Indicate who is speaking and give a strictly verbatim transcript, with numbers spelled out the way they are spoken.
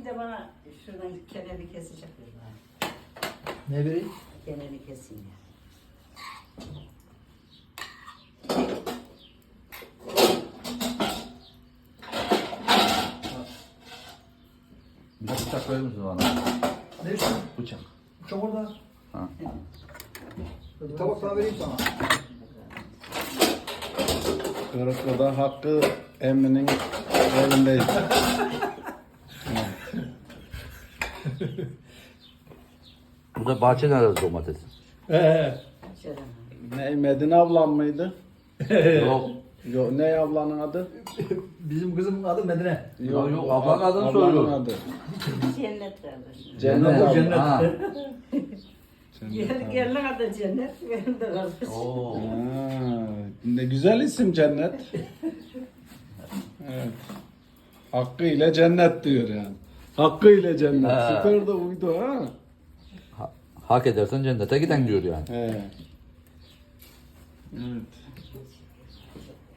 Speaker 1: de bana şuradan kenarı kesecek.
Speaker 2: Ne vereyim?
Speaker 1: Kenarı keseyim ya.
Speaker 3: Bir bıçak verir misin bana?
Speaker 2: Ne istiyorsun?
Speaker 3: Bıçak.
Speaker 2: Çok orada.
Speaker 3: Ha.
Speaker 2: Bir tabak daha vereyim sana.
Speaker 4: Kırıklı'da Hakkı Emmi'nin evindeyiz.
Speaker 3: Burada bahçe nerede domates?
Speaker 2: Ee,
Speaker 1: Şöyle.
Speaker 4: Ne Medine ablam mıydı?
Speaker 3: Yok.
Speaker 4: Yok ne ablanın adı?
Speaker 2: bizim kızımın adı Medine.
Speaker 3: Yok, yok, ablanın adını
Speaker 4: ablanın
Speaker 3: soruyorum.
Speaker 4: adı.
Speaker 1: Cennet kardeşim.
Speaker 4: Cennet
Speaker 3: Cennet.
Speaker 4: abla.
Speaker 2: Cennet.
Speaker 3: Ha.
Speaker 1: Gel, gelin adı cennet, benim de kardeşim.
Speaker 3: Oo.
Speaker 4: Ha, ne güzel isim Cennet. Evet. Hakkı ile Cennet diyor yani. Hakkı ile Cennet.
Speaker 3: Ha.
Speaker 4: Süper de uydu ha.
Speaker 3: Ha- Hak edersen cennete giden diyor yani.
Speaker 4: He. Evet.